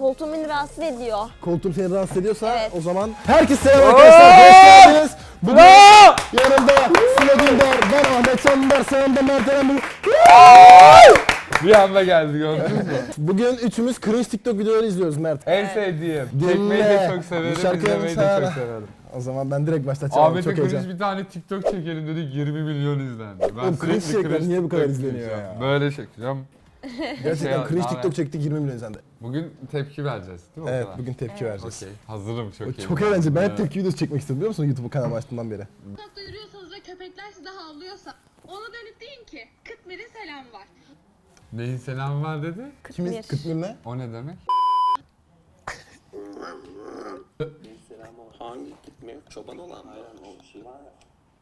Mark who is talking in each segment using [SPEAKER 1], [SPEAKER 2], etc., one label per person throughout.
[SPEAKER 1] koltuğum beni rahatsız ediyor.
[SPEAKER 2] Koltuğum seni rahatsız ediyorsa
[SPEAKER 1] Evet.
[SPEAKER 2] o zaman herkese selam arkadaşlar. Hoş geldiniz. Bugün yanımda Sıla Dündar, ben Ahmet Çandar, sağımda Mert Eren.
[SPEAKER 3] Bir anda geldi gördünüz mü?
[SPEAKER 2] Bugün üçümüz cringe TikTok videoları izliyoruz Mert.
[SPEAKER 3] En sevdiğim.
[SPEAKER 2] Dinle.
[SPEAKER 3] Çekmeyi de çok
[SPEAKER 2] Bu
[SPEAKER 3] severim,
[SPEAKER 2] şarkıyı
[SPEAKER 3] izlemeyi de
[SPEAKER 2] sana-
[SPEAKER 3] çok severim.
[SPEAKER 2] O zaman ben direkt başlatacağım.
[SPEAKER 3] Ahmet'e
[SPEAKER 2] Çok heyecan.
[SPEAKER 3] cringe bir tane TikTok çekelim dedik, 20 milyon izlendi. Ben
[SPEAKER 2] Oğlum cringe
[SPEAKER 3] sürekli
[SPEAKER 2] içerikler niye bu kadar
[SPEAKER 3] TikTok
[SPEAKER 2] izleniyor
[SPEAKER 3] çekeceğim.
[SPEAKER 2] ya?
[SPEAKER 3] Böyle çekeceğim.
[SPEAKER 2] Gerçekten cringe
[SPEAKER 3] Abi.
[SPEAKER 2] TikTok çektik 20 milyon izlendi.
[SPEAKER 3] Bugün tepki vereceğiz değil mi?
[SPEAKER 2] Evet
[SPEAKER 3] o kadar?
[SPEAKER 2] bugün tepki vereceğiz.
[SPEAKER 3] Okey. Hazırım çok iyi.
[SPEAKER 2] Çok eğlenceli. Ben hep tepki videosu çekmek istedim biliyor musun YouTube kanalı açtığımdan beri.
[SPEAKER 4] Sokakta yürüyorsanız ve köpekler size havlıyorsa ona dönüp deyin ki Kıtmir'in selam var.
[SPEAKER 3] Neyin selamı var dedi?
[SPEAKER 2] Kimiz? Kıtmir ne?
[SPEAKER 3] O ne demek?
[SPEAKER 5] Hangi gitmiyor? Çoban olan mı? Aynen o şey var ya.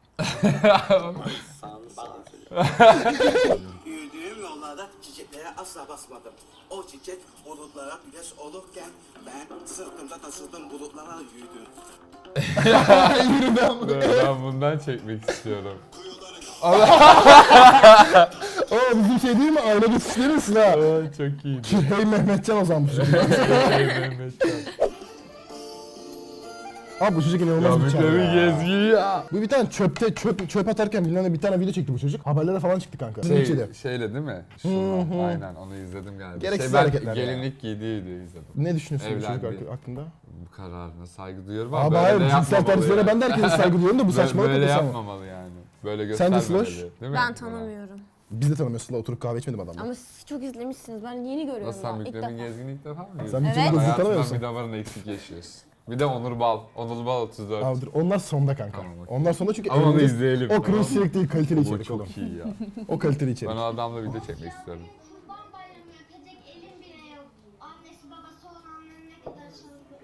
[SPEAKER 5] Sağını söylüyor.
[SPEAKER 6] Yürüdüğüm yollarda çiçeklere asla basmadım. O çiçek bulutlara güneş olurken ben sırtımda taşıdığım bulutlara yürüdüm.
[SPEAKER 2] Yürü ben bunu.
[SPEAKER 3] Ben bundan çekmek istiyorum.
[SPEAKER 2] Oo bizim şey değil mi? Aile geçişleri misin ha?
[SPEAKER 3] Çok iyiydi.
[SPEAKER 2] Hey Mehmetcan o zaman bu çocuk.
[SPEAKER 3] Mehmetcan.
[SPEAKER 2] Abi bu çocuk
[SPEAKER 3] Ya
[SPEAKER 2] inanılmaz bir çağ
[SPEAKER 3] bir
[SPEAKER 2] ya.
[SPEAKER 3] gezgi ya.
[SPEAKER 2] Bu bir tane çöp atarken bilmem ne bir tane video çekti bu çocuk. Haberlere falan çıktı kanka.
[SPEAKER 3] Şeyle değil mi? Aynen onu izledim galiba.
[SPEAKER 2] Gereksiz
[SPEAKER 3] ben
[SPEAKER 2] hareketler ya.
[SPEAKER 3] gelinlik giydiği videoyu izledim.
[SPEAKER 2] Ne düşünüyorsun bu çocuk
[SPEAKER 3] Evlendi.
[SPEAKER 2] hakkında?
[SPEAKER 3] Bu kararına saygı duyuyorum ama
[SPEAKER 2] Abi
[SPEAKER 3] böyle
[SPEAKER 2] hayır
[SPEAKER 3] de
[SPEAKER 2] cinsel
[SPEAKER 3] yapmamalı
[SPEAKER 2] tercihlere
[SPEAKER 3] yani.
[SPEAKER 2] ben de herkese saygı duyuyorum da bu saçmalık
[SPEAKER 3] Böyle
[SPEAKER 2] ötesi ama.
[SPEAKER 3] yapmamalı yani. Böyle
[SPEAKER 2] Sen de
[SPEAKER 3] göstermemeli.
[SPEAKER 2] Sloş?
[SPEAKER 3] Değil mi?
[SPEAKER 1] Ben tanımıyorum.
[SPEAKER 2] Biz de tanımıyoruz Sıla oturup kahve içmedim adamla.
[SPEAKER 1] Ama siz çok izlemişsiniz. Ben yeni görüyorum.
[SPEAKER 3] Nasıl
[SPEAKER 1] daha,
[SPEAKER 3] sen
[SPEAKER 1] ilk
[SPEAKER 3] Mükremin
[SPEAKER 1] defa.
[SPEAKER 3] Gezgin'i ilk defa mı
[SPEAKER 2] Sen
[SPEAKER 3] izledin?
[SPEAKER 2] bütün
[SPEAKER 1] Evet.
[SPEAKER 2] gözü tanımıyor
[SPEAKER 3] Hayatından
[SPEAKER 2] musun?
[SPEAKER 3] bir damarını eksik yaşıyorsun. Bir de Onur Bal. Onur Bal 34.
[SPEAKER 2] Abi dur, onlar sonda kanka.
[SPEAKER 3] Tamam, okey.
[SPEAKER 2] Onlar sonda çünkü
[SPEAKER 3] Ama onu
[SPEAKER 2] eğleneceğiz.
[SPEAKER 3] izleyelim.
[SPEAKER 2] O
[SPEAKER 3] tamam
[SPEAKER 2] cringe
[SPEAKER 3] mı?
[SPEAKER 2] içerik değil kaliteli
[SPEAKER 3] Bu
[SPEAKER 2] içerik oğlum.
[SPEAKER 3] çok iyi ya.
[SPEAKER 2] O kaliteli
[SPEAKER 3] Ben
[SPEAKER 2] içerik.
[SPEAKER 3] o adamla video çekmek istiyorum.
[SPEAKER 7] Kurban bayramı yapacak elim bile yok. Annesi babası olanların ne kadar çılgın.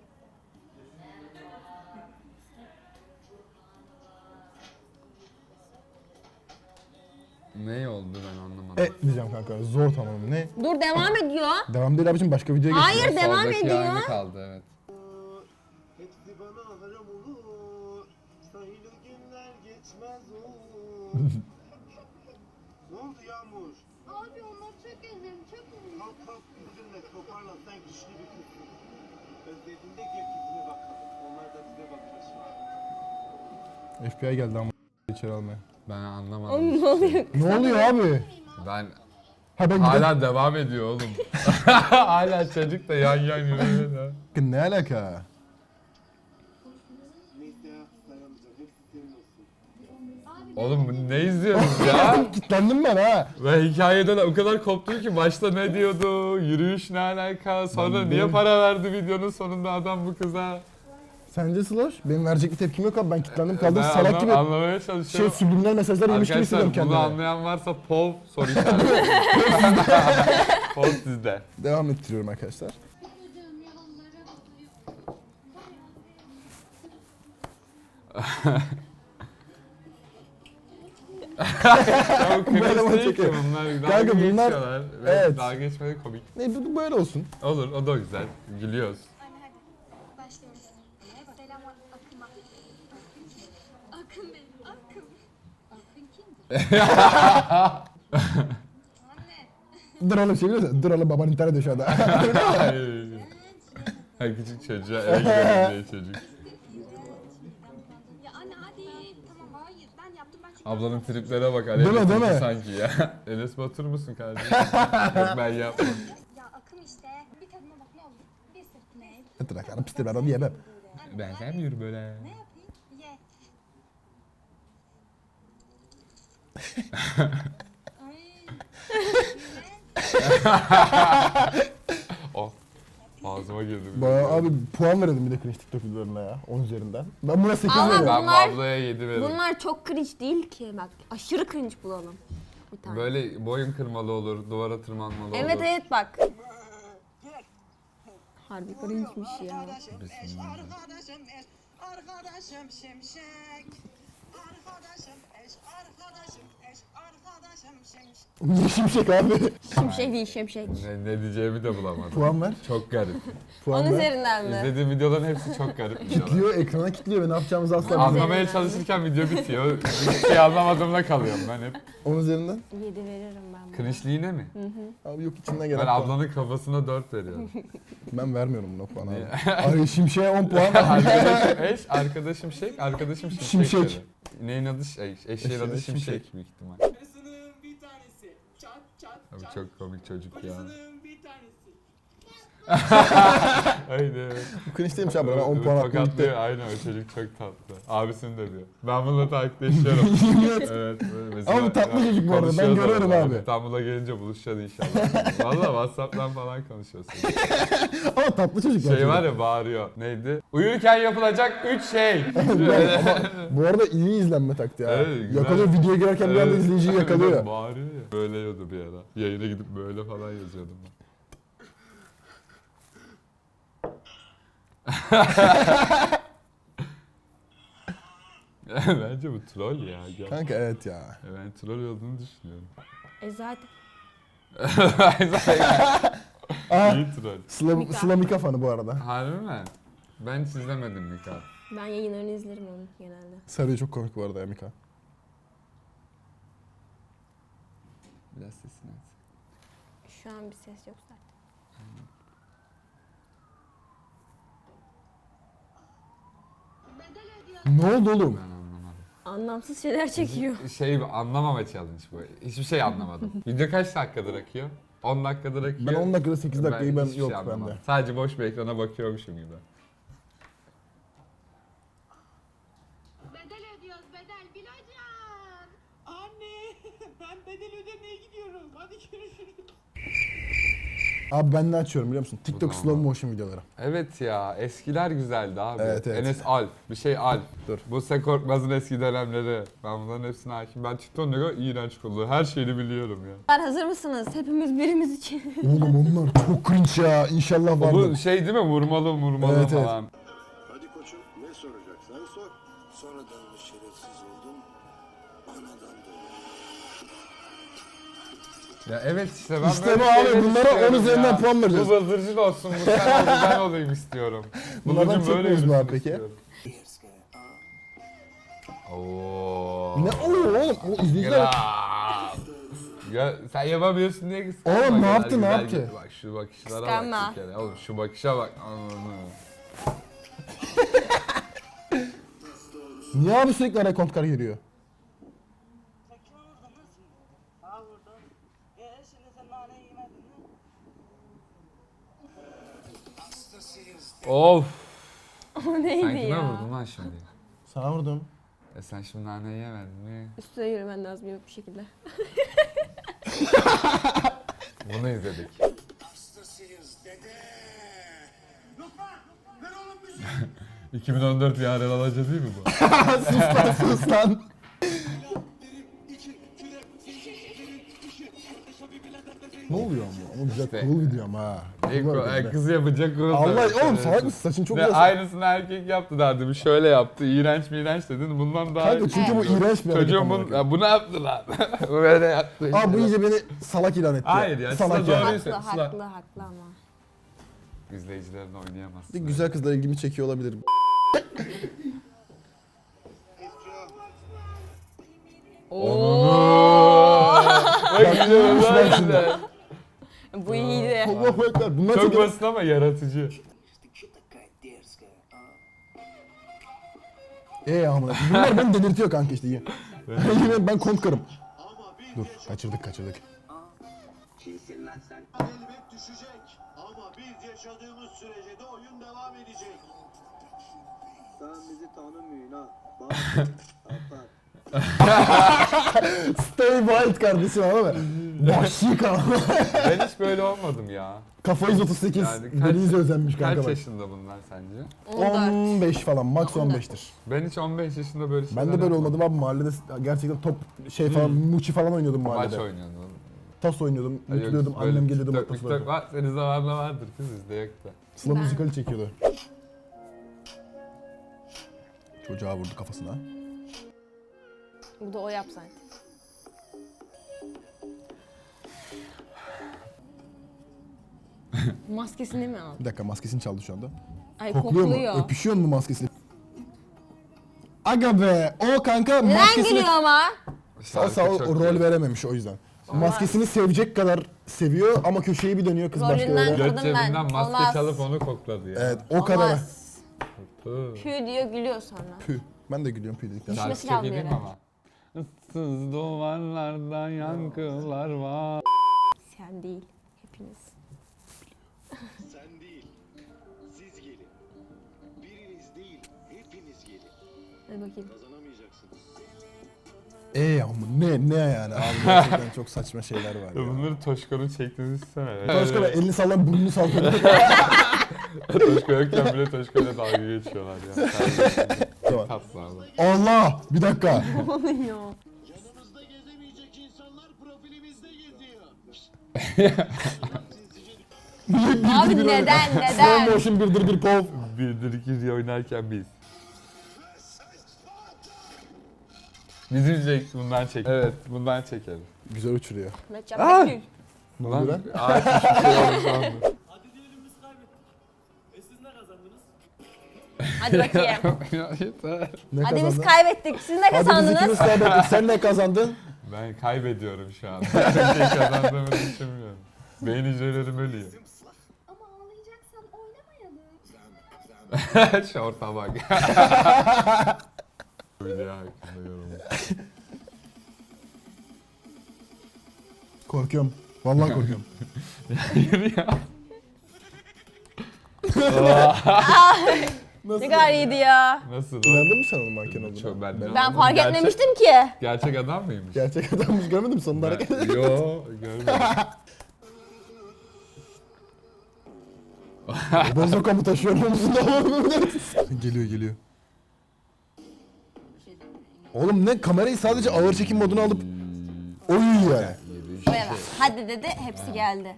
[SPEAKER 3] Ne oldu ben anlamadım.
[SPEAKER 2] Diyeceğim kanka zor tamam ne?
[SPEAKER 1] Dur devam ediyor.
[SPEAKER 2] Devam değil abicim başka videoya geçelim.
[SPEAKER 1] Hayır devam
[SPEAKER 3] Soldaki
[SPEAKER 1] ediyor.
[SPEAKER 3] aynı kaldı evet.
[SPEAKER 6] Hepsi bana haram olur. Sayılı günler geçmez olur. Ne oldu Yağmur?
[SPEAKER 7] Abi onlar çok özledim, çok özledim.
[SPEAKER 6] Kalk kalk üzülme toparlan sen güçlü bir kızsın. Özlediğinde gel yüzüne bakalım. Onlar da bize bakıyor şimdi.
[SPEAKER 2] FBI geldi ama içeri almaya.
[SPEAKER 3] Ben anlamadım.
[SPEAKER 1] Oğlum ne oluyor?
[SPEAKER 2] Ne oluyor abi?
[SPEAKER 3] Ben
[SPEAKER 2] Ha ben
[SPEAKER 3] hala devam ediyor oğlum. Hala çocuk da yan yürüyor.
[SPEAKER 2] gidelim. Ne alaka?
[SPEAKER 6] Neyse ya dayanacağım. Hepsi senin olsun.
[SPEAKER 3] Oğlum bu ne izliyorsunuz ya?
[SPEAKER 2] Kitlendim ben ha.
[SPEAKER 3] Ve hikayeden o kadar koptum ki başta ne diyordu, yürüyüş ne alaka, sonra
[SPEAKER 2] Ben
[SPEAKER 3] niye
[SPEAKER 2] benim-
[SPEAKER 3] para verdi videonun sonunda adam bu kıza?
[SPEAKER 2] Sence Sloş? Benim verecek bir tepkim yok abi. Ben kitlendim kaldım salak gibi.
[SPEAKER 3] Anlamaya
[SPEAKER 2] Şey
[SPEAKER 3] çalışıyorum.
[SPEAKER 2] subliminal mesajlar yemiş gibi hissediyorum
[SPEAKER 3] Arkadaşlar bunu
[SPEAKER 2] kendimi.
[SPEAKER 3] anlayan varsa POV soru işareti. POV sizde.
[SPEAKER 2] Devam ettiriyorum arkadaşlar.
[SPEAKER 7] Yürüdüğüm yollara
[SPEAKER 3] Ya bu
[SPEAKER 2] Böyle
[SPEAKER 3] kriz değil ki
[SPEAKER 2] çekiyor.
[SPEAKER 3] bunlar. Dalga
[SPEAKER 2] Kanka bunlar-
[SPEAKER 3] geçiyorlar. Ve
[SPEAKER 2] evet.
[SPEAKER 3] Dalga geçmeleri komik.
[SPEAKER 2] Ne bu böyle olsun.
[SPEAKER 3] Olur o da güzel. Gülüyoruz.
[SPEAKER 7] Anne hadi başlıyoruz. Selam Akın'a. Akın benim, Akın. Akın kimdir? Anne.
[SPEAKER 2] Dur oğlum şey biliyorsun. Dur oğlum baban intihar ediyor şu anda.
[SPEAKER 3] Hayır. Her küçük çocuğa eve gidelim diye çocuk.
[SPEAKER 7] Ya anne hadi. Tamam hayır ben yaptım ben çünkü.
[SPEAKER 3] Ablanın triplere bak.
[SPEAKER 2] Değil mi,
[SPEAKER 3] Enes
[SPEAKER 2] değil mi?
[SPEAKER 3] Batur sanki ya. Enes Batur musun kardeşim? Yok ben yapmam.
[SPEAKER 7] Ya Akın işte. Bir tadına bak ne olur. Bir sırt ne?
[SPEAKER 2] Dur bakalım pistir ben onu yemem.
[SPEAKER 3] Ben sevmiyorum böyle.
[SPEAKER 7] Ne yapayım? Ye. Ay.
[SPEAKER 3] Oh. Ağzıma girdi.
[SPEAKER 2] Bayağı abi puan verelim bir de cringe TikTok videolarına ya. 10 üzerinden. Ben buna 8
[SPEAKER 1] Ama
[SPEAKER 2] veriyorum.
[SPEAKER 3] Ben bu
[SPEAKER 1] Bunlar-
[SPEAKER 3] ablaya 7 veririm.
[SPEAKER 1] Bunlar çok cringe değil ki. Bak aşırı cringe bulalım. Bir tane.
[SPEAKER 3] Böyle boyun kırmalı olur, duvara tırmanmalı
[SPEAKER 1] Evet
[SPEAKER 3] olur.
[SPEAKER 1] evet bak. Harbi cringe'miş ya.
[SPEAKER 6] Arkadaşım şimşek. Arkadaşım
[SPEAKER 2] Niye şimşek abi?
[SPEAKER 1] Şimşek değil şimşek.
[SPEAKER 3] Ne diyeceğimi de bulamadım.
[SPEAKER 2] Puan ver.
[SPEAKER 3] Çok garip.
[SPEAKER 2] Puan
[SPEAKER 1] Onun
[SPEAKER 2] ver.
[SPEAKER 1] üzerinden mi?
[SPEAKER 3] İzlediğim videoların hepsi çok garip videolar.
[SPEAKER 2] Kitliyor, ekrana kitliyor ve ne yapacağımızı asla bilmiyorum.
[SPEAKER 3] Anlamaya çalışırken video bitiyor. Hiçbir şey anlamadığımda kalıyorum ben hep.
[SPEAKER 2] 10 üzerinden.
[SPEAKER 1] 7 veririm ben buna.
[SPEAKER 3] Cringe'liğine mi?
[SPEAKER 2] Abi yok içinden gelen
[SPEAKER 3] Ben
[SPEAKER 2] puan.
[SPEAKER 3] ablanın kafasına 4 veriyorum.
[SPEAKER 2] Ben vermiyorum buna puan abi.
[SPEAKER 3] Niye?
[SPEAKER 2] Ay şimşeğe 10 puan.
[SPEAKER 3] Arkadaşım eş, arkadaşım şek, arkadaşım şimşek.
[SPEAKER 2] Şimşek.
[SPEAKER 3] dedi. Neyin adı eşeğin adı
[SPEAKER 2] Eşeğin
[SPEAKER 3] şimşek
[SPEAKER 2] Şimşek.
[SPEAKER 3] büyük ihtimal.
[SPEAKER 6] Karısının bir tanesi. Çat çat
[SPEAKER 3] Abi
[SPEAKER 6] çat.
[SPEAKER 3] çok komik çocuk ya.
[SPEAKER 6] Karısının bir tanesi.
[SPEAKER 3] Haydi.
[SPEAKER 2] Bu cringe değilmiş abi. Ben 10 puan hakkım
[SPEAKER 3] Tokatlıyor.
[SPEAKER 2] gitti.
[SPEAKER 3] Aynen o çocuk çok tatlı. Abisini de diyor. Ben bununla takipleşiyorum. Evet böyle mesela.
[SPEAKER 2] Ama bu tatlı çocuk bu arada, ben
[SPEAKER 3] konuşuyoruz
[SPEAKER 2] görüyorum
[SPEAKER 3] arada.
[SPEAKER 2] abi.
[SPEAKER 3] İstanbul'a gelince buluşacağız inşallah. Valla Whatsapp'tan falan konuşuyorsun.
[SPEAKER 2] Ama tatlı çocuk
[SPEAKER 3] Şey var ya bağırıyor. Neydi? Uyurken yapılacak 3 şey.
[SPEAKER 2] Bu arada iyi izlenme taktiği ha.
[SPEAKER 3] Evet, güzel.
[SPEAKER 2] Yakalıyor, videoya girerken bir anda izleyiciyi yakalıyor.
[SPEAKER 3] Bağırıyor ya. Böyle yiyordu bir ara. Yayına gidip böyle falan yazıyordum ben. Bence bu troll ya. Gel.
[SPEAKER 2] Kanka evet ya.
[SPEAKER 3] Ben troll olduğunu düşünüyorum.
[SPEAKER 1] Zaten.
[SPEAKER 2] Aa,
[SPEAKER 3] İyi troll.
[SPEAKER 1] Mika.
[SPEAKER 2] Sıla Mika fanı bu arada.
[SPEAKER 3] Harbi mi? Ben hiç izlemedim Mika.
[SPEAKER 1] Ben yayınlarını izlerim onun genelde.
[SPEAKER 2] Sarıya çok komik bu arada ya Mika.
[SPEAKER 3] Biraz sesini aç.
[SPEAKER 1] Şu an bir ses yok zaten.
[SPEAKER 2] Ne oldu oğlum?
[SPEAKER 3] Ben anlamadım.
[SPEAKER 1] Anlamsız şeyler çekiyor.
[SPEAKER 3] Şey anlamama challenge bu. Hiçbir şey anlamadım. Video kaç dakikadır akıyor? 10 dakikadır akıyor.
[SPEAKER 2] Ben 10 dakikada 8 dakikayı ben
[SPEAKER 3] hiçbir
[SPEAKER 2] yok
[SPEAKER 3] şey anlamadım.
[SPEAKER 2] bende.
[SPEAKER 3] Sadece boş bir ekrana bakıyormuşum gibi.
[SPEAKER 4] Bedel ödüyoruz bedel Bilocan.
[SPEAKER 6] Anne ben bedel ödemeye gidiyorum. Hadi görüşürüz.
[SPEAKER 2] Abi ben ne açıyorum biliyor musun? TikTok
[SPEAKER 3] Bu
[SPEAKER 2] slow
[SPEAKER 3] normal.
[SPEAKER 2] motion videoları.
[SPEAKER 3] Evet ya eskiler güzeldi abi.
[SPEAKER 2] Evet, evet.
[SPEAKER 3] Enes Alp, bir şey Alp.
[SPEAKER 2] Dur.
[SPEAKER 3] Buse Korkmaz'ın eski dönemleri. Ben bunların hepsine hakim. Ben TikTok'un ne kadar iğrenç kullanıyor. Her şeyini biliyorum ya.
[SPEAKER 1] Hazır mısınız? Hepimiz birimiz için.
[SPEAKER 2] Oğlum onlar çok cringe ya. İnşallah
[SPEAKER 3] Bu
[SPEAKER 2] vardır.
[SPEAKER 3] şey değil mi? Vurmalı
[SPEAKER 2] Evet, evet.
[SPEAKER 3] falan.
[SPEAKER 8] Hadi koçum ne soracaksan sor. Sonradan mı şerefsiz oldum? Anadan dolayı.
[SPEAKER 3] Ya evet işte ben
[SPEAKER 2] İşte
[SPEAKER 3] böyle
[SPEAKER 2] bu abi,
[SPEAKER 3] şeyler
[SPEAKER 2] bunlara
[SPEAKER 3] istiyorum
[SPEAKER 2] 10 üzerinden
[SPEAKER 3] ya.
[SPEAKER 2] puan vereceğiz.
[SPEAKER 3] Bu bıldırcın olsun, bu sen ol, ben olayım istiyorum.
[SPEAKER 2] Bunlardan
[SPEAKER 3] Bıldırcın böyle
[SPEAKER 2] çekmiyoruz mu abi
[SPEAKER 3] yürüsün
[SPEAKER 2] peki?
[SPEAKER 3] istiyorum. Oo.
[SPEAKER 2] Ne oluyor oğlum? O izleyiciler...
[SPEAKER 3] Kral. Ya sen yapamıyorsun diye kıskanma.
[SPEAKER 2] Oğlum, ne
[SPEAKER 3] Kadar
[SPEAKER 2] yaptı, ne
[SPEAKER 3] güzel
[SPEAKER 2] yaptı?
[SPEAKER 3] gitti. Bak şu bakışlara
[SPEAKER 1] Kıskanma.
[SPEAKER 3] bak bir kere. Oğlum şu bakışa bak. Ananı.
[SPEAKER 2] Niye abi sürekli araya kontkar giriyor?
[SPEAKER 6] Kime vurdun lan şimdi? Ha vurdum. Şimdi sen naneyi yemedin mi?
[SPEAKER 3] Of.
[SPEAKER 1] O
[SPEAKER 3] Sen
[SPEAKER 1] neydi
[SPEAKER 3] kime
[SPEAKER 1] ya?
[SPEAKER 3] vurdun lan şimdi?
[SPEAKER 2] Sana vurdum.
[SPEAKER 3] Sen şimdi naneyi yemedin mi?
[SPEAKER 1] Üstüne yürümen lazım yok bir şekilde.
[SPEAKER 3] Bunu izledik.
[SPEAKER 8] Hastasıyız dede.
[SPEAKER 3] 2014 bir arel alacak değil mi bu?
[SPEAKER 2] Sus lan. Ne oluyor ama? Ama güzel cool video ama ha. Cool hareketler.
[SPEAKER 3] Kız yapacak kız.
[SPEAKER 2] Allah oğlum salak mısın? Saçın çok
[SPEAKER 3] Ve
[SPEAKER 2] güzel.
[SPEAKER 3] aynısını erkek yaptı derdim. Şöyle yaptı. İğrenç mi iğrenç dedin. Bundan daha
[SPEAKER 2] Kanka çünkü bu iğrenç bir hareket.
[SPEAKER 3] Çocuğum
[SPEAKER 2] amına
[SPEAKER 3] bunu,
[SPEAKER 2] koyayım.
[SPEAKER 3] ya bunu yaptı lan. Böyle yaptı. işte.
[SPEAKER 2] Abi bu iyice beni salak ilan etti.
[SPEAKER 3] Hayır ya,
[SPEAKER 2] Salak
[SPEAKER 3] Sıla
[SPEAKER 2] yani.
[SPEAKER 3] doğru.
[SPEAKER 1] Haklı,
[SPEAKER 3] Sıla.
[SPEAKER 1] haklı ama.
[SPEAKER 3] İzleyicilerin oynayamazsın.
[SPEAKER 2] Bir güzel kızlar ilgimi çekiyor olabilir.
[SPEAKER 3] Bak gidiyorum
[SPEAKER 2] Ben
[SPEAKER 3] lan
[SPEAKER 2] şimdi.
[SPEAKER 3] işte.
[SPEAKER 1] Bu iyiydi.
[SPEAKER 2] Allahu ekber. Bunlar
[SPEAKER 3] Çok
[SPEAKER 2] çok
[SPEAKER 3] basit ama yaratıcı.
[SPEAKER 2] amına. Bunlar beni delirtiyor kanka işte. Yine ben kontkarım. Dur kaçırdık.
[SPEAKER 6] Kimsin lan sen?
[SPEAKER 8] Elbet düşecek. Ama biz yaşadığımız sürece de oyun devam edecek.
[SPEAKER 5] Sen bizi tanımıyorsun ha. Bak. Atar.
[SPEAKER 2] Stay wild kardeşim ama be. Vahşi kanka.
[SPEAKER 3] Ben hiç böyle olmadım ya.
[SPEAKER 2] Kafa 138.
[SPEAKER 3] Yani kaç-
[SPEAKER 2] Denize özenmiş kanka
[SPEAKER 3] Kaç
[SPEAKER 2] bak.
[SPEAKER 3] yaşında bunlar sence?
[SPEAKER 2] 15 falan. Max 15'tir.
[SPEAKER 3] Ben hiç 15 yaşında böyle şeyler
[SPEAKER 2] Ben de böyle
[SPEAKER 3] yapmadım.
[SPEAKER 2] olmadım abi mahallede gerçekten top şey falan muçi falan oynuyordum
[SPEAKER 3] Maç
[SPEAKER 2] mahallede.
[SPEAKER 3] oynuyordum.
[SPEAKER 2] Tas oynuyordum,
[SPEAKER 3] Yok,
[SPEAKER 2] mutluyordum,
[SPEAKER 3] böyle
[SPEAKER 2] annem geliyordu
[SPEAKER 3] TikTok,
[SPEAKER 2] bak tas
[SPEAKER 3] TikTok var. Senin zamanında vardır kız bizde yok da.
[SPEAKER 2] Sıla müzikali çekiyordu. Çocuğa vurdu kafasına.
[SPEAKER 1] Bu da o yapsaydı. Maskesini mi aldı?
[SPEAKER 2] Bir dakika maskesini çaldı şu anda.
[SPEAKER 1] Ay
[SPEAKER 2] Kokluyor
[SPEAKER 1] kokluyor.
[SPEAKER 2] mu? Öpüşüyor mu maskesini? Aga be! O kanka
[SPEAKER 1] Neden
[SPEAKER 2] maskesini...
[SPEAKER 1] gülüyor ama?
[SPEAKER 2] Sağ o
[SPEAKER 3] çok
[SPEAKER 2] rol
[SPEAKER 3] iyi.
[SPEAKER 2] verememiş o yüzden. Maskesini sevecek kadar seviyor ama köşeyi bir dönüyor kız başka
[SPEAKER 1] Rolünden
[SPEAKER 2] yere.
[SPEAKER 1] kır-
[SPEAKER 3] Göt
[SPEAKER 1] Kadın
[SPEAKER 3] cebinden
[SPEAKER 1] ben,
[SPEAKER 3] maske
[SPEAKER 1] olmaz.
[SPEAKER 3] çalıp onu kokladı ya.
[SPEAKER 2] Evet o kadar.
[SPEAKER 1] Olmaz.
[SPEAKER 3] Hı.
[SPEAKER 1] Pü diyor gülüyor sonra.
[SPEAKER 2] Püh. Ben de gülüyorum püh dedikten sonra.
[SPEAKER 3] Şarkı
[SPEAKER 1] Düşmesi
[SPEAKER 3] çok
[SPEAKER 1] lazım
[SPEAKER 3] iyi değil mi
[SPEAKER 1] yere.
[SPEAKER 3] ama? Issız duvarlardan yankılar var.
[SPEAKER 1] Sen değil. Hepiniz.
[SPEAKER 8] Sen değil, siz gelin. Biriniz değil, hepiniz gelin.
[SPEAKER 1] Hadi bakayım.
[SPEAKER 8] Kazanamayacaksınız.
[SPEAKER 2] Ama ne yani abi gerçekten çok saçma şeyler var ya.
[SPEAKER 3] Bunları Toşko'nun çektiğini düşünsene.
[SPEAKER 2] Başka elini sallan burnunu sallıyor.
[SPEAKER 3] Toşko yokken bile Toşko'yla dalga geçiyorlar ya.
[SPEAKER 2] Tamam.
[SPEAKER 3] Tatlı abi.
[SPEAKER 2] Allah! Bir dakika.
[SPEAKER 1] Oluyor.
[SPEAKER 8] Yanımızda gezemeyecek insanlar profilimizde geziyor.
[SPEAKER 1] Abi neden
[SPEAKER 2] Slow
[SPEAKER 1] neden?
[SPEAKER 2] motion birdir bir pov.
[SPEAKER 3] Birdir iki diye oynarken biz. Bizim çek bundan çek. Evet bundan çekelim.
[SPEAKER 2] Güzel uçuruyor.
[SPEAKER 1] Mehmetcan Bekgül.
[SPEAKER 2] Ne oluyor lan?
[SPEAKER 3] Ağaç bir şey oldu sandım.
[SPEAKER 1] Hadi bakayım.
[SPEAKER 3] Ya yeter.
[SPEAKER 2] Ne
[SPEAKER 1] Hadi biz
[SPEAKER 2] kazandın?
[SPEAKER 1] kaybettik. Siz ne
[SPEAKER 2] Hadi biz ikimiz
[SPEAKER 1] kazandınız?
[SPEAKER 2] kaybettik. Sen ne kazandın?
[SPEAKER 3] Ben kaybediyorum şu an. Bir şey kazandığımı düşünmüyorum. Beyin hücrelerim ölüyor.
[SPEAKER 7] Ama ağlayacaksan oynamayalım.
[SPEAKER 3] Şorta bak. Video hakkında yorum.
[SPEAKER 2] Korkuyorum. Vallahi korkuyorum.
[SPEAKER 3] Yürü ya.
[SPEAKER 1] Ne kadar iyiydi ya.
[SPEAKER 3] Nasıl o?
[SPEAKER 2] İnandın mı sen onun manken olduğuna?
[SPEAKER 3] Çok ben
[SPEAKER 1] Ben fark
[SPEAKER 3] Gerçek-
[SPEAKER 1] etmemiştim ki.
[SPEAKER 3] Gerçek adam mıymış?
[SPEAKER 2] Gerçek adammış görmedin mi sonunda hareket?
[SPEAKER 3] Yo görmedim.
[SPEAKER 2] Bozoka mı taşıyor omuzunda? Geliyor. Oğlum ne kamerayı sadece ağır çekim moduna alıp oynuyor yani.
[SPEAKER 1] Buraya bak. Hadi dedi hepsi geldi.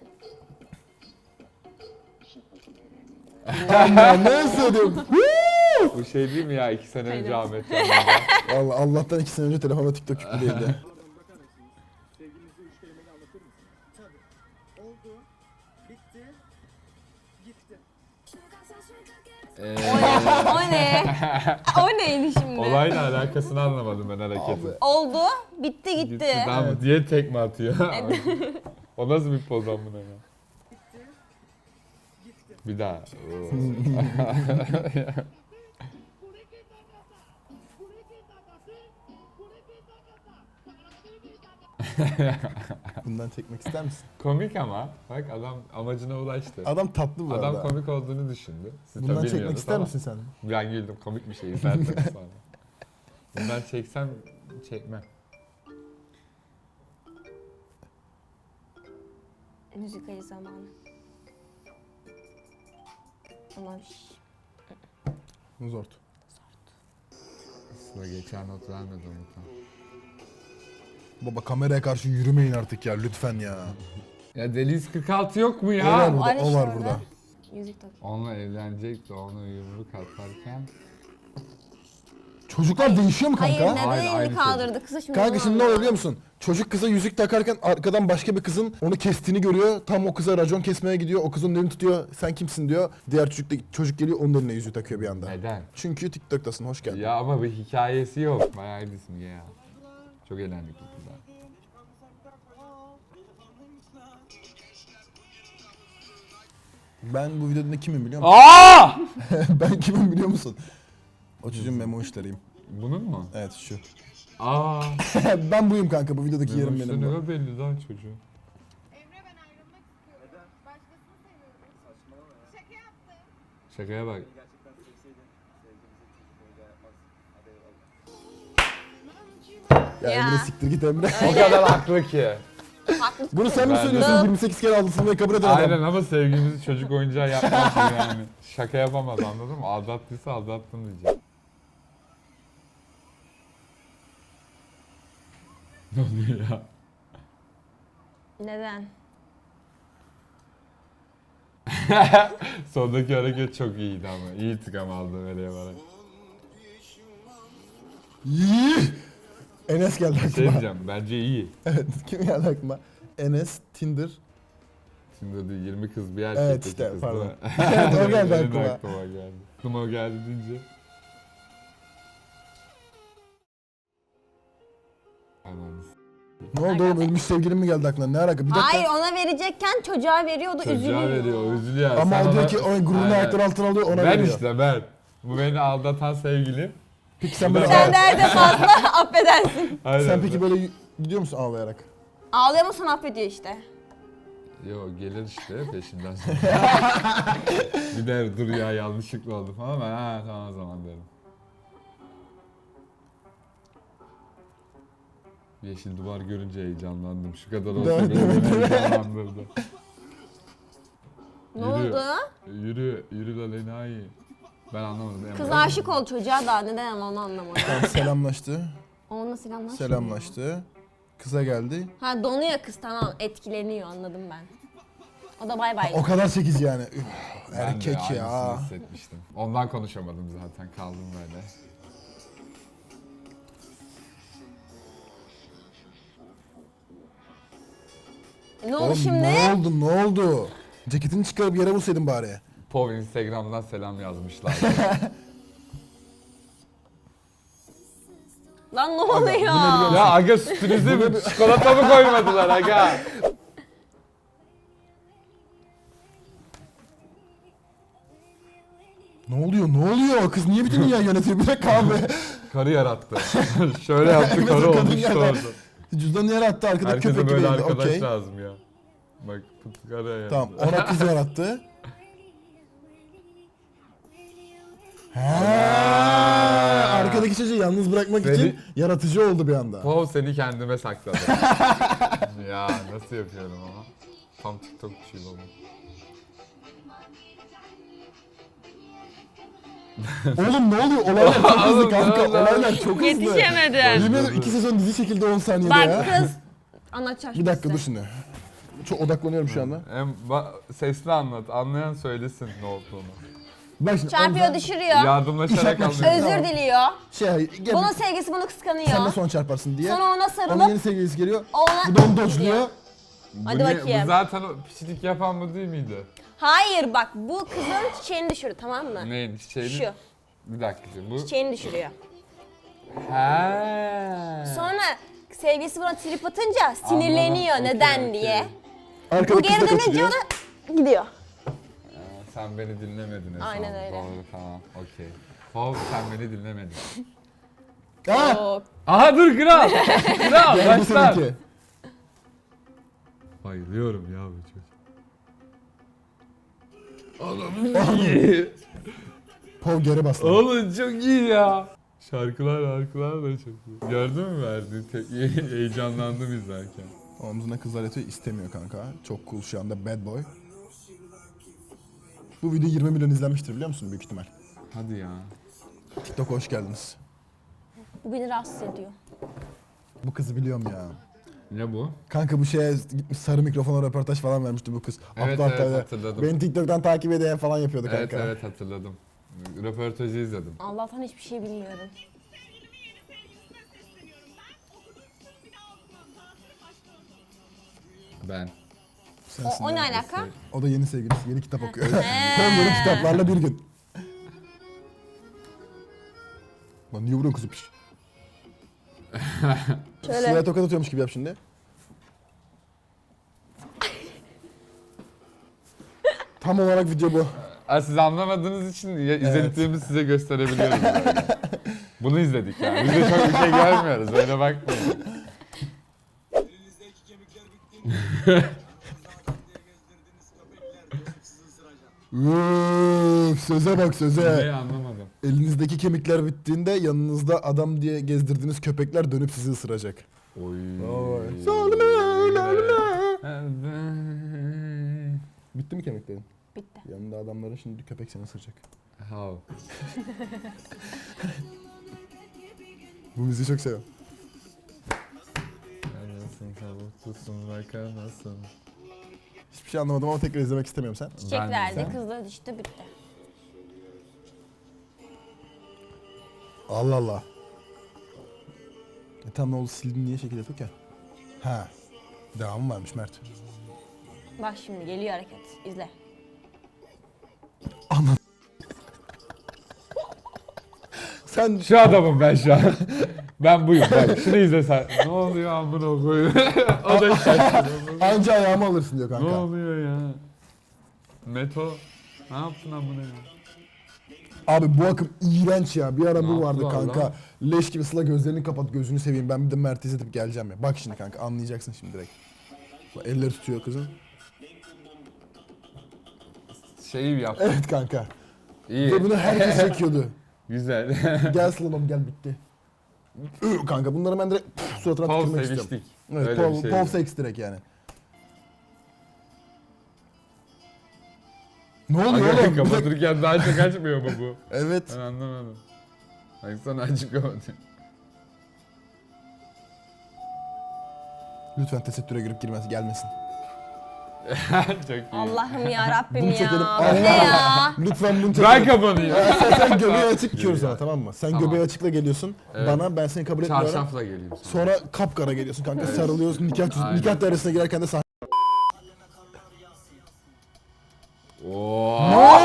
[SPEAKER 2] Ben ne hissediyorum?
[SPEAKER 3] Bu şey değil mi ya 2 sene önce Ahmet Can'da?
[SPEAKER 2] Vallahi Allah'tan 2 sene önce telefonda TikTok yüklü değildi.
[SPEAKER 5] Sevgilinizi 3 kelimeyle anlatır mısın? Tabii. Oldu. Bitti. Gitti.
[SPEAKER 1] O ne? O neydi şimdi?
[SPEAKER 3] Olayla alakasını anlamadım ben hareketin.
[SPEAKER 1] Oldu, bitti gitti.
[SPEAKER 3] Tamam diye tekme atıyor. O nasıl bir poz amına ya? Bir daha. Oo.
[SPEAKER 2] Bundan çekmek ister misin?
[SPEAKER 3] Komik ama. Bak adam amacına ulaştı.
[SPEAKER 2] Adam tatlı bu
[SPEAKER 3] Adam
[SPEAKER 2] arada.
[SPEAKER 3] komik olduğunu düşündü. Siz
[SPEAKER 2] Bundan
[SPEAKER 3] tabii
[SPEAKER 2] çekmek
[SPEAKER 3] bilmiyordunuz
[SPEAKER 2] ister
[SPEAKER 3] ama
[SPEAKER 2] misin sen?
[SPEAKER 3] Ben güldüm komik bir şey izlerseniz sonra. Bundan çeksem çekmem.
[SPEAKER 1] Müzikali zamanı. Aman
[SPEAKER 2] Zor.
[SPEAKER 3] Sıra geçen not vermedi unutan.
[SPEAKER 2] Baba kameraya karşı yürümeyin artık ya lütfen ya.
[SPEAKER 3] Ya Deli 146 yok mu
[SPEAKER 2] O var
[SPEAKER 3] ya?
[SPEAKER 2] burada,
[SPEAKER 1] Aynı
[SPEAKER 2] o
[SPEAKER 1] şey
[SPEAKER 2] var
[SPEAKER 1] orada.
[SPEAKER 2] burada.
[SPEAKER 1] yüzük tak.
[SPEAKER 3] Onunla evlenecek de ona yumruk atarken.
[SPEAKER 2] Çocuklar değişiyor mu kanka?
[SPEAKER 1] Hayır neden
[SPEAKER 3] Hayır,
[SPEAKER 1] elini
[SPEAKER 3] aynı
[SPEAKER 1] kaldırdı? Kıza şimdi
[SPEAKER 2] Kanka
[SPEAKER 1] onu
[SPEAKER 2] şimdi ne oluyor
[SPEAKER 1] anlamadım.
[SPEAKER 2] biliyor musun? Çocuk kıza yüzük takarken arkadan başka bir kızın onu kestiğini görüyor. Tam o kıza racon kesmeye gidiyor. O kız onun elini tutuyor. Sen kimsin diyor. Diğer çocuk geliyor onun eline yüzüğü takıyor bir anda.
[SPEAKER 3] Neden?
[SPEAKER 2] Çünkü TikTok'tasın. Hoş geldin.
[SPEAKER 3] Ya ama bir hikayesi yok. Bayağı iyi simge ya. Çok eğlendik bu kızlar.
[SPEAKER 2] Ben bu videoda kimim biliyor musun?
[SPEAKER 3] Aa!
[SPEAKER 2] Ben kimim biliyor musun? O çocuğun memo işleriyim.
[SPEAKER 3] Bunun mu?
[SPEAKER 2] Evet şu.
[SPEAKER 3] Aa.
[SPEAKER 2] Ben buyum kanka. Bu videodaki yerim benim bu.
[SPEAKER 3] Ne belli lan çocuğu.
[SPEAKER 7] Emre ben ayrılmak istiyorum. Başkasını seviyorum. Şaka yaptım.
[SPEAKER 3] Şakaya bak.
[SPEAKER 5] Gerçekten sevseydin sevgilinizi çocuk oyuncağı yapmaz. Hadi eyvallah.
[SPEAKER 2] Ya
[SPEAKER 1] Ya.
[SPEAKER 2] Emre siktir git Emre.
[SPEAKER 3] O kadar haklı ki.
[SPEAKER 1] Haklı.
[SPEAKER 2] Bunu sen mi
[SPEAKER 3] Ben de.
[SPEAKER 2] söylüyorsun? 28 kere aldısın diye kabul eden adam.
[SPEAKER 3] Aynen ama sevgimizi çocuk oyuncağı yapmaz yani. Şaka yapamaz anladın mı? Aldattıysa aldattın diyecek. Ne oluyor ya?
[SPEAKER 1] Neden?
[SPEAKER 3] Sondaki hareket çok iyiydi ama. İyi intikam aldı öyle yaparak.
[SPEAKER 2] Yii! Enes geldi
[SPEAKER 3] Şey
[SPEAKER 2] aklıma.
[SPEAKER 3] diyeceğim, bence iyi.
[SPEAKER 2] Evet, kim geldi aklıma? Enes, Tinder.
[SPEAKER 3] Şimdi de 20 kız bir erkek.
[SPEAKER 2] Evet,
[SPEAKER 3] iki
[SPEAKER 2] işte,
[SPEAKER 3] kız
[SPEAKER 2] pardon.
[SPEAKER 3] da-
[SPEAKER 2] Evet, o geldi
[SPEAKER 3] Benim de
[SPEAKER 2] aklıma.
[SPEAKER 3] aklıma geldi. Aklıma o geldi deyince. Anladın.
[SPEAKER 2] Ne oldu oğlum? Ölmüş sevgilim mi geldi aklına? Ne alaka? Bir dakika.
[SPEAKER 1] Hayır ona verecekken çocuğa veriyordu
[SPEAKER 3] Çocuğa
[SPEAKER 1] üzülüyor.
[SPEAKER 3] veriyor, üzülüyor.
[SPEAKER 2] Ama
[SPEAKER 3] Sen
[SPEAKER 2] o diyor
[SPEAKER 3] ona-
[SPEAKER 2] ki o gururunu
[SPEAKER 3] Aynen.
[SPEAKER 2] ayaklar altına alıyor ona
[SPEAKER 3] Ben
[SPEAKER 2] veriyor.
[SPEAKER 3] işte ben. Bu beni aldatan sevgilim.
[SPEAKER 2] Peki sen böyle
[SPEAKER 1] Sen nerede fazla affedersin.
[SPEAKER 3] Aynen.
[SPEAKER 2] sen peki böyle gidiyor musun ağlayarak?
[SPEAKER 1] Ağlıyor musun affediyor işte.
[SPEAKER 3] Yo gelir işte peşinden sonra. Gider dur ya yanlışlıkla oldu falan ben ha tamam o zaman derim. Yeşil duvar görünce heyecanlandım. Şu kadar olsa
[SPEAKER 2] Değil
[SPEAKER 3] beni
[SPEAKER 2] mi?
[SPEAKER 3] heyecanlandırdı.
[SPEAKER 1] Ne
[SPEAKER 3] Yürü.
[SPEAKER 1] oldu?
[SPEAKER 3] Yürü la Lena'yı. Ben anlamadım.
[SPEAKER 1] Kız aşık oldu çocuğa da neden ama onu anlamadım.
[SPEAKER 2] Tamam, selamlaştı.
[SPEAKER 1] Onunla selamlaşmıyor.
[SPEAKER 2] Selamlaştı. Kıza geldi.
[SPEAKER 1] Ha donuyor kız tamam etkileniyor anladım ben. O da bay bay.
[SPEAKER 2] O kadar 8 yani. Üf,
[SPEAKER 3] Ben de
[SPEAKER 2] erkek
[SPEAKER 3] aynısını
[SPEAKER 2] ya.
[SPEAKER 3] hissetmiştim. Ondan konuşamadım zaten kaldım böyle.
[SPEAKER 1] Ne oldu
[SPEAKER 2] Oğlum,
[SPEAKER 1] şimdi?
[SPEAKER 2] Ne oldu? Ne oldu? Ceketini çıkarıp yere vursaydın bari.
[SPEAKER 3] Pov Instagram'dan selam yazmışlar.
[SPEAKER 1] Lan ne oluyor?
[SPEAKER 3] Ya aga sürprize mi? Çikolata mı koymadılar aga?
[SPEAKER 2] Ne oluyor? Ne oluyor? Kız niye bütün dünya yönetiyor? Bir dakika abi.
[SPEAKER 3] Karı yarattı. Şöyle yaptı karı
[SPEAKER 2] Kadın
[SPEAKER 3] olmuştu
[SPEAKER 2] geldi.
[SPEAKER 3] orada.
[SPEAKER 2] Cüzdanı yere attı. Arkada
[SPEAKER 3] Herkese
[SPEAKER 2] köpek
[SPEAKER 3] böyle
[SPEAKER 2] gibiydi.
[SPEAKER 3] arkadaş
[SPEAKER 2] Okey.
[SPEAKER 3] lazım ya. Bak karı ya.
[SPEAKER 2] Tamam. Ona kız yarattı. Ha, arkadaki çocuğu yalnız bırakmak
[SPEAKER 3] Seni-
[SPEAKER 2] için yaratıcı oldu bir anda.
[SPEAKER 3] Pov seni kendime sakladı. Ya nasıl yapıyorum ama. Tam TikTokçuyum ama.
[SPEAKER 2] Oğlum ne oluyor? Olaylar çok hızlı
[SPEAKER 3] Oğlum,
[SPEAKER 2] kanka.
[SPEAKER 3] ne oldu?
[SPEAKER 2] Olaylar çok hızlı.
[SPEAKER 1] Yetişemedim.
[SPEAKER 2] Yemin ederim 2 sezon dizi çekildi 10 saniyede
[SPEAKER 1] Bak
[SPEAKER 2] ya.
[SPEAKER 1] kız. Anlatacağım
[SPEAKER 2] Bir dakika
[SPEAKER 1] size.
[SPEAKER 2] dur şimdi. Çok odaklanıyorum şu anda.
[SPEAKER 3] Sesli anlat. Anlayan söylesin ne olduğunu.
[SPEAKER 2] Bak şimdi.
[SPEAKER 1] Çarpıyor
[SPEAKER 2] Ozan-
[SPEAKER 1] düşürüyor.
[SPEAKER 3] Yardımlaşarak
[SPEAKER 2] yapmak
[SPEAKER 3] anlıyor.
[SPEAKER 2] Tamam.
[SPEAKER 1] Özür diliyor.
[SPEAKER 2] Gel,
[SPEAKER 1] Bunun sevgisi bunu
[SPEAKER 2] sen de
[SPEAKER 1] kıskanıyor.
[SPEAKER 2] son çarparsın diye.
[SPEAKER 1] Sonra ona
[SPEAKER 2] Onun yeni
[SPEAKER 1] sarılıp
[SPEAKER 2] sevgilisi geliyor.
[SPEAKER 1] ona...
[SPEAKER 2] Bu da onu dodge'luyor.
[SPEAKER 1] Hadi
[SPEAKER 3] Bu
[SPEAKER 1] bakayım.
[SPEAKER 3] Bu zaten o piçlik yapan bu değil miydi?
[SPEAKER 1] Hayır bak bu kızın çiçeğini düşürür tamam mı?
[SPEAKER 3] Neyin çiçeğini?
[SPEAKER 1] Şu.
[SPEAKER 3] Bir dakika şimdi bu.
[SPEAKER 1] Çiçeğini düşürüyor.
[SPEAKER 3] He.
[SPEAKER 1] Sonra sevgilisi buna trip atınca sinirleniyor
[SPEAKER 3] Anladım.
[SPEAKER 1] neden
[SPEAKER 3] Okey,
[SPEAKER 1] diye.
[SPEAKER 2] Arkada
[SPEAKER 1] Bu
[SPEAKER 2] kız
[SPEAKER 1] geri
[SPEAKER 2] da
[SPEAKER 1] dönünce
[SPEAKER 2] kaçırıyor.
[SPEAKER 1] ona gidiyor.
[SPEAKER 3] Sen beni dinlemedin Esra.
[SPEAKER 1] Aynen öyle.
[SPEAKER 3] Doğru tamam okey. Pov sen beni dinlemedin.
[SPEAKER 2] Aa!
[SPEAKER 1] Oo.
[SPEAKER 3] Aha dur kral. Kral
[SPEAKER 2] Geldi
[SPEAKER 3] başlar.
[SPEAKER 2] seninki.
[SPEAKER 3] Bayılıyorum ya bu çocuk.
[SPEAKER 2] Pov geri bastı.
[SPEAKER 3] Oğlum çok iyi ya. Şarkılar da çok iyi. Gördün mü verdiği tepkiyi? Heyecanlandım izlerken.
[SPEAKER 2] Omzuna kızlar yatıyor istemiyor kanka. Çok cool şu anda bad boy. Bu video 20 milyon izlenmiştir biliyor musun büyük ihtimal.
[SPEAKER 3] Hadi ya.
[SPEAKER 2] TikTok'a hoş geldiniz.
[SPEAKER 1] Bu beni rahatsız ediyor.
[SPEAKER 2] Bu kızı biliyorum ya.
[SPEAKER 3] Ne bu?
[SPEAKER 2] Kanka bu şeye gitmiş sarı mikrofona röportaj falan vermişti bu kız.
[SPEAKER 3] Evet,
[SPEAKER 2] Aptal
[SPEAKER 3] evet,
[SPEAKER 2] aptal.
[SPEAKER 3] hatırladım.
[SPEAKER 2] Beni TikTok'tan takip eden falan yapıyordu
[SPEAKER 3] Evet
[SPEAKER 2] kanka.
[SPEAKER 3] evet hatırladım. Röportajı izledim.
[SPEAKER 1] Allah'tan hiçbir şey bilmiyorum.
[SPEAKER 3] Ben.
[SPEAKER 2] Sensin
[SPEAKER 1] O ne
[SPEAKER 2] ya.
[SPEAKER 1] alaka?
[SPEAKER 2] O da yeni sevgilisi, yeni kitap okuyor. Tam yeni kitaplarla bir gün. Lan niye vuruyorsun kızı piş?
[SPEAKER 1] Şöyle.
[SPEAKER 2] Sıla'ya tokat atıyormuş gibi yap şimdi. Tam olarak video bu.
[SPEAKER 3] Siz anlamadığınız için izlediklerimizi size gösterebiliyoruz böyle. Bunu izledik yani. Biz de çok bir şey görmüyoruz. Öyle bakmayın.
[SPEAKER 2] Üf, söze bak söze.
[SPEAKER 3] Neyi anlamadım.
[SPEAKER 2] Elinizdeki kemikler bittiğinde yanınızda adam diye gezdirdiğiniz köpekler dönüp sizi ısıracak.
[SPEAKER 3] Oy.
[SPEAKER 2] Oy. Bitti mi kemiklerin?
[SPEAKER 1] Bitti.
[SPEAKER 2] Yanında adamların şimdi köpek seni ısıracak.
[SPEAKER 3] How?
[SPEAKER 2] Bu müziği çok seviyorum.
[SPEAKER 3] Anasın tavuklusun bak anasın.
[SPEAKER 2] Hiçbir şey anlamadım ama tekrar izlemek istemiyorum sen.
[SPEAKER 1] Çiçek
[SPEAKER 3] Ben de.
[SPEAKER 1] verdi, kızla düştü bitti.
[SPEAKER 2] Allah Allah. Tamam ne oldu sildin niye şekil yapıyor ki? Ha. Devamı varmış Mert.
[SPEAKER 1] Bak şimdi geliyor hareket. İzle.
[SPEAKER 2] Sen
[SPEAKER 3] Şu adamım ben şu an. Ben buyum bak. Şunu izle sen. Ne oluyor amına koyayım? O da şaşırıyor.
[SPEAKER 2] anca ayağımı alırsın diyor
[SPEAKER 3] Ne
[SPEAKER 2] kanka.
[SPEAKER 3] oluyor ya? Meto. Ne yaptın amına ya?
[SPEAKER 2] Abi bu akım iğrenç ya. Bir ara
[SPEAKER 3] Ne
[SPEAKER 2] bu vardı
[SPEAKER 3] yaptılar
[SPEAKER 2] kanka.
[SPEAKER 3] lan?
[SPEAKER 2] Leş gibi Sıla gözlerini kapat gözünü seveyim. Ben bir de Mert'i izletip geleceğim ya. Bak şimdi kanka anlayacaksın şimdi direkt. Bak, elleri tutuyor kızın.
[SPEAKER 3] Şeyi yap.
[SPEAKER 2] Evet kanka.
[SPEAKER 3] İyi.
[SPEAKER 2] Ve bunu herkes çekiyordu.
[SPEAKER 3] Güzel.
[SPEAKER 2] Gel Sıla'm gel bitti. Kanka bunları ben direkt suratına
[SPEAKER 3] Pov
[SPEAKER 2] tükürmek istiyorum.
[SPEAKER 3] seviştik.
[SPEAKER 2] Evet,
[SPEAKER 3] Öyle bir şey.
[SPEAKER 2] pov seks direkt yani. Ne oluyor
[SPEAKER 3] Aga,
[SPEAKER 2] oğlum? Bir dakika.
[SPEAKER 3] kapatırken daha çok açmıyor mu bu?
[SPEAKER 2] Evet.
[SPEAKER 3] Ben anlamadım. Baksana açık kapatıyor.
[SPEAKER 2] Lütfen tesettüre girip girmez gelmesin.
[SPEAKER 3] Çok iyi.
[SPEAKER 1] Allah'ım ya Rabbim
[SPEAKER 2] Bunu
[SPEAKER 1] ya.
[SPEAKER 2] çekelim.
[SPEAKER 1] Bu ne ya?
[SPEAKER 2] Lütfen bunu
[SPEAKER 3] Ben
[SPEAKER 2] çekelim.
[SPEAKER 3] kapanıyorum.
[SPEAKER 2] Sen göbeği açık giyiyoruz sana tamam mı? Sen
[SPEAKER 3] Tamam.
[SPEAKER 2] göbeği açıkla geliyorsun.
[SPEAKER 3] Evet.
[SPEAKER 2] Bana ben seni kabul etmiyorum.
[SPEAKER 3] Çarşafla geleyim sana.
[SPEAKER 2] Sonra kapkara geliyorsun kanka sarılıyoruz
[SPEAKER 3] Aynen.
[SPEAKER 2] nikah dairesine girerken de sahne.
[SPEAKER 3] Oo.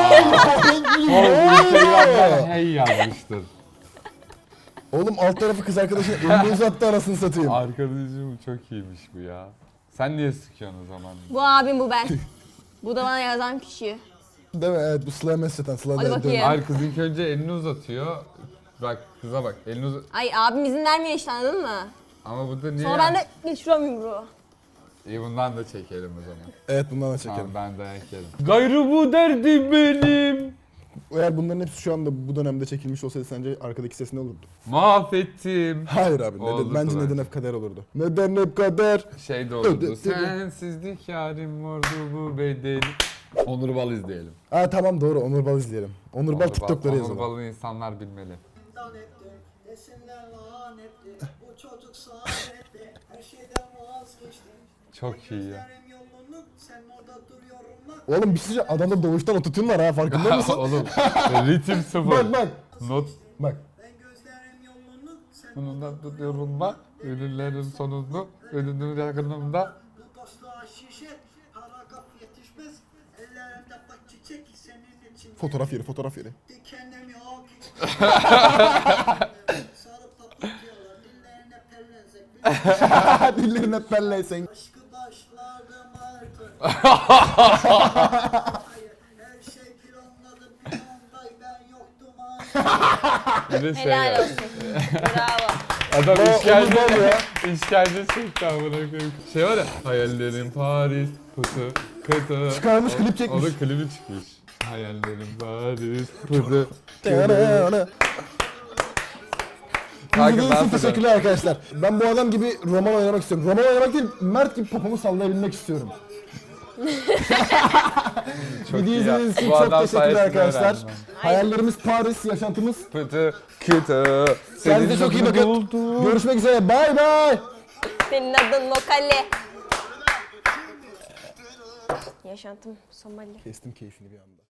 [SPEAKER 3] Instagram'dan hey yazmıştır.
[SPEAKER 2] Oğlum alt tarafı kız arkadaşın elini uzattı arasını satayım.
[SPEAKER 3] Arkadaşım çok iyiymiş bu ya. Sen niye sıkıyorsun o zaman?
[SPEAKER 1] Bu abim bu ben. Bu da bana yazan kişi.
[SPEAKER 2] Değil mi? Evet bu Sıla'ya mesajdan Sıla
[SPEAKER 1] Hadi
[SPEAKER 2] da-
[SPEAKER 1] bakayım.
[SPEAKER 3] Hayır kız ilk önce elini uzatıyor. Bak kıza bak elini uzat.
[SPEAKER 1] Ay abim izin vermiyor işte anladın mı?
[SPEAKER 3] Ama bu da niye?
[SPEAKER 1] Sonra ben de geçiriyorum yumruğu.
[SPEAKER 3] İyi bundan da çekelim o zaman.
[SPEAKER 2] Evet bundan da çekelim.
[SPEAKER 3] Tamam ben dayak yerim. Gayrı bu derdim benim.
[SPEAKER 2] Eğer bunların hepsi şu anda bu dönemde çekilmiş olsaydı sence arkadaki ses ne olurdu?
[SPEAKER 3] Mahvettim.
[SPEAKER 2] Hayır abi.
[SPEAKER 3] Olurdu
[SPEAKER 2] Bence
[SPEAKER 3] bence.
[SPEAKER 2] neden hep kader olurdu. Neden hep kader?
[SPEAKER 3] Şey de olurdu.
[SPEAKER 2] Öde-
[SPEAKER 3] Sensizlik yarim vardı bu bedeli. Onur Bal izleyelim.
[SPEAKER 2] Aa tamam doğru Onur Bal izleyelim. Onur Bal TikTok'ları
[SPEAKER 3] Onur
[SPEAKER 2] yazalım.
[SPEAKER 3] Bal'ı insanlar bilmeli.
[SPEAKER 5] Desinler lanetli. Bu çocuk saadetli. Her şeyden vazgeçti.
[SPEAKER 3] Çok iyi ya.
[SPEAKER 5] Gözlerim yolunu sen orada duruyorum lan.
[SPEAKER 2] Oğlum bir şey adamda doğuştan ototune var ha farkında mısın?
[SPEAKER 3] Oğlum ritim sıfır.
[SPEAKER 2] Bak bak.
[SPEAKER 3] Not
[SPEAKER 2] Bak.
[SPEAKER 5] Ben gözlerim yolunu sen
[SPEAKER 3] sonunda tutuyorum bak. Ürünlerin sonunu, ürünün yakınımda.
[SPEAKER 5] bu dostluğa şişet. Paragraf yetişmez. Ellerimde bak çiçek senin için.
[SPEAKER 2] Fotoğraf yeri.
[SPEAKER 5] Dikenlerim yok. Sarıp papatyalar. Dillerine pellenzek.
[SPEAKER 2] Dillerin hep belleysek.
[SPEAKER 5] Aşkı başlardım artık. Hayır, her şey planladım bir anda ben yoktum artık.
[SPEAKER 3] Bir de şey
[SPEAKER 1] Helal
[SPEAKER 3] ya.
[SPEAKER 1] olsun. Bravo.
[SPEAKER 3] Adam
[SPEAKER 2] Onur
[SPEAKER 3] işkence
[SPEAKER 2] Bal ya.
[SPEAKER 3] İşkence çekti amına koyayım. Şey var ya. Hayallerim Paris, kutu, kutu.
[SPEAKER 2] Çıkarmış, klip çekmiş.
[SPEAKER 3] Onun klibi çıkmış. Hayallerim Paris, kutu. Kanka
[SPEAKER 2] İzlediğiniz
[SPEAKER 3] ben
[SPEAKER 2] için teşekkürler arkadaşlar. Ben bu adam gibi roman oynamak istiyorum. Roman oynamak değil, Mert gibi popomu sallayabilmek istiyorum.
[SPEAKER 3] Çok
[SPEAKER 2] Video
[SPEAKER 3] iyi ya.
[SPEAKER 2] izlediğiniz için
[SPEAKER 3] Bu
[SPEAKER 2] çok
[SPEAKER 3] adam
[SPEAKER 2] teşekkürler
[SPEAKER 3] sayesinde
[SPEAKER 2] arkadaşlar.
[SPEAKER 3] öğrendim ben.
[SPEAKER 2] Hayallerimiz Paris, yaşantımız.
[SPEAKER 3] Kutu, kutu.
[SPEAKER 2] Kendinize çok iyi bakın. Görüşmek üzere. Bay bay.
[SPEAKER 1] Senin adın Lokale. Yaşantım Somali.
[SPEAKER 2] Kestim keyfini bir anda.